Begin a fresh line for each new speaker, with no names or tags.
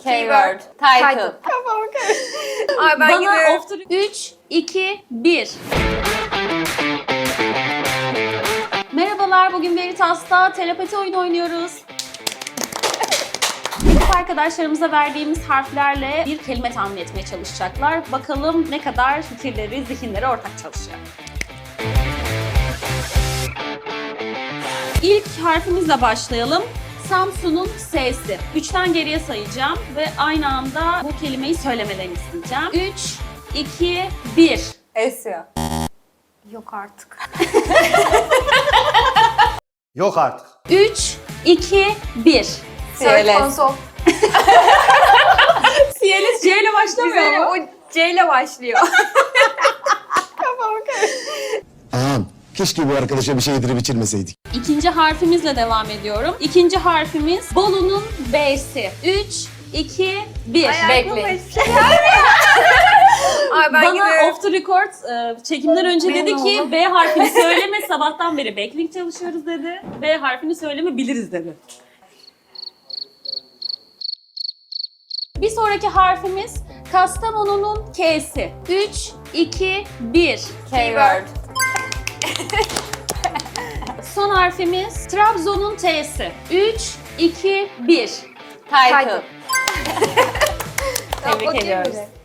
Keyword. Title.
Kafam karıştı. Ay ben
Bana
gidiyorum.
off the... 3, 2, 1. Merhabalar, bugün Veritas'ta telepati oyunu oynuyoruz. Sınıf arkadaşlarımıza verdiğimiz harflerle bir kelime tahmin etmeye çalışacaklar. Bakalım ne kadar fikirleri, zihinleri ortak çalışıyor. İlk harfimizle başlayalım. Samsun'un S'si. 3'ten geriye sayacağım ve aynı anda bu kelimeyi söylemeden isteyeceğim. 3, 2, 1.
Esya.
Yok artık.
Yok artık.
3, 2, 1.
Search
CLS.
Console.
CLS C ile başlamıyor
Güzel,
mu?
o C ile başlıyor. Kafam karıştı.
Ağam, keşke bu arkadaşa bir şey yedirip içirmeseydik.
İkinci harfimizle devam ediyorum. İkinci harfimiz Bolu'nun B'si. 3, 2, 1.
Bekleyin.
Ay ben
Bana
gidiyorum.
off the record çekimden önce
Benim
dedi ki
oğlum.
B harfini söyleme, sabahtan beri backlink çalışıyoruz dedi. B harfini söyleme, biliriz dedi. Bir sonraki harfimiz Kastamonu'nun K'si. 3, 2, 1.
Keyword.
Son harfimiz Trabzon'un T'si. 3, 2, 1.
Title.
Tebrik
Bakayım
ediyoruz.
bile.